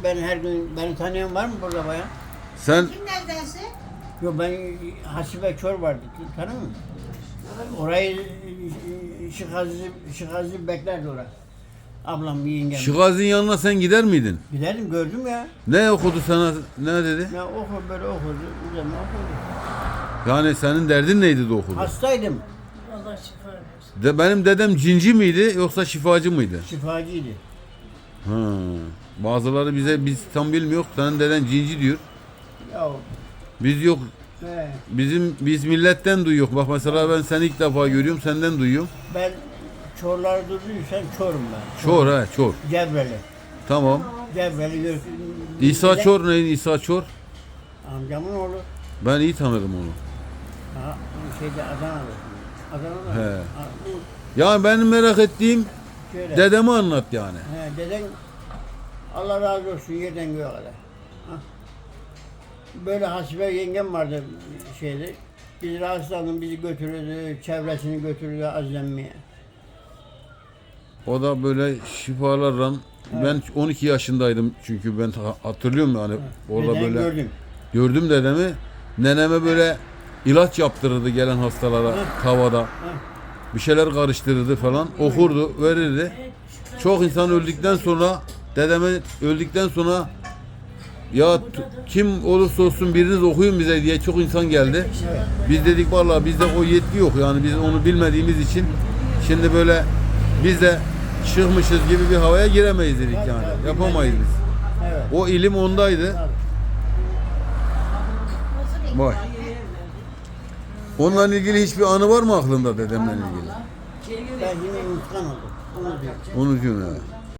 ben her gün beni tanıyan var mı burada bayan? Sen Kim neredense? Yok ben Hasibe Kör vardı. Tanıyor musun? Orayı Şıkazi beklerdi oraya. Ablam yengem. Şıgazi'nin yanına sen gider miydin? Gidelim gördüm ya. Ne okudu sana? Ne dedi? Ya okur böyle okurdu. Üzerine okurdu. Yani senin derdin neydi de okudu? Hastaydım. Allah şifa versin. Benim dedem cinci miydi yoksa şifacı mıydı? Şifacıydı. Ha. Bazıları biz tam bilmiyor. Senin deden cinci diyor. Ya Biz yok. he, Biz milletten duyuyor. Bak mesela ben seni ilk defa görüyorum. Senden duyuyorum. ben Çorlar durduysan Çorum ben. Çor ha Çor. Cevreli. Tamam. Cevreli gör. İsa Çor neydi? İsa Çor. Amcamın oğlu. Ben iyi tanırım onu. Ha, şeyde Adana'da. Adana'da. He. Ha, bu Yani benim merak ettiğim şöyle. dedemi anlat yani. He, deden Allah razı olsun yerden göğe kadar. Ha. Böyle Hasibe yengem vardı şeyde. Biz rahatsızlandık, bizi götürürdü, çevresini götürürdü azlenmeye. O da böyle şifalarla ben 12 yaşındaydım çünkü ben hatırlıyorum yani orada Deden böyle gördüm. gördüm dedemi. Neneme böyle ilaç yaptırırdı gelen hastalara tavada. Bir şeyler karıştırırdı falan. Okurdu, verirdi. Çok insan öldükten sonra dedeme öldükten sonra ya kim olursa olsun biriniz okuyun bize diye çok insan geldi. Biz dedik vallahi bizde o yetki yok yani biz onu bilmediğimiz için şimdi böyle biz de çıkmışız gibi bir havaya giremeyiz dedik yani. Yapamayız biz. Evet. O ilim ondaydı. Vay. Onunla ilgili hiçbir anı var mı aklında dedemle ilgili? Ben yine unutkan oldum. Onu diyorum. Onu diyorum ya.